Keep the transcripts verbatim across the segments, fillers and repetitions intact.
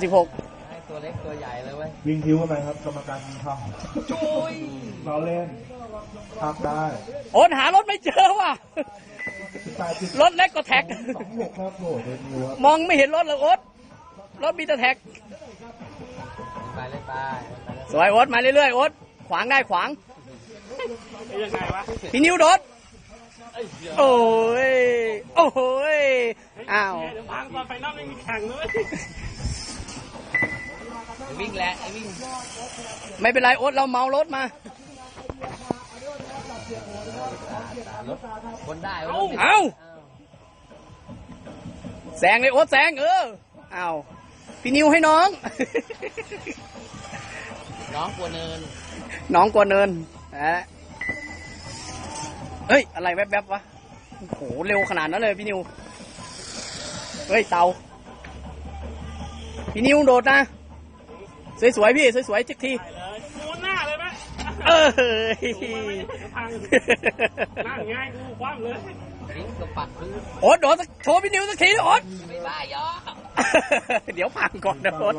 สิบหกตัวเล็กตัวใหญ่เลยเว้ยวิ่งคิ้วเข้าไปครับกรรมการทำจุยเราเล่นพักได้โอนหารถไม่เจอว่ะรถเล็กก็แท็กมองไม่เห็นรถเลยโอ๊ตรถมีแต่แท็กไปเลยไปสวยโอ๊ตมาเรื่อยๆโอ๊ตขวางได้ขวางยังไงวะพี่นิ้วโดดโอ้ยโอ้ยอ้าวเดี๋ยวพังตอนไฟนอลไม่มีแข่งเลยวิ่งแหละไอ้วิ่งไม่เป็นไรโอ๊ตเราเมารถมาคนได้เอาแซงเลยโอ๊ตแซงเออเอาพี่นิวให้น้องน้องกลัวเนินน้องกลัวเนินเฮ้ยอะไรแวบๆวะโอ้โหเร็วขนาดนั้นเลยพี่นิวเฮ้ยเตาพี่นิวโดดนะสวยๆพี่สวยๆจิกทีมูนหน้าเลยไหมเออพังนั่งง่ายกูคว่ำเลยวิ่งกับปัดพื้นโอ๊ตโดดโชว์พี่นิวสักทีโอ๊ตไม่บ้ายอเดี๋ยวพังก่อนนะโอ๊ต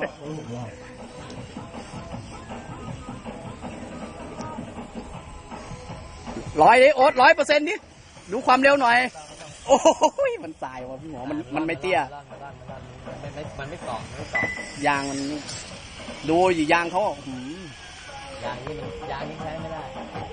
ร้อยดิโอ๊ตร้อยเปอร์เซ็นต์ดิดูความเร็วหน่อยโอ้ยมันสายว่ะพี่หมอมันมันไม่เตี้ยมันไม่มันไม่เกาะไม่เกาะยางมันดูอยู่ยางเขายางนี่มันยางนี่ใช้ไม่ได้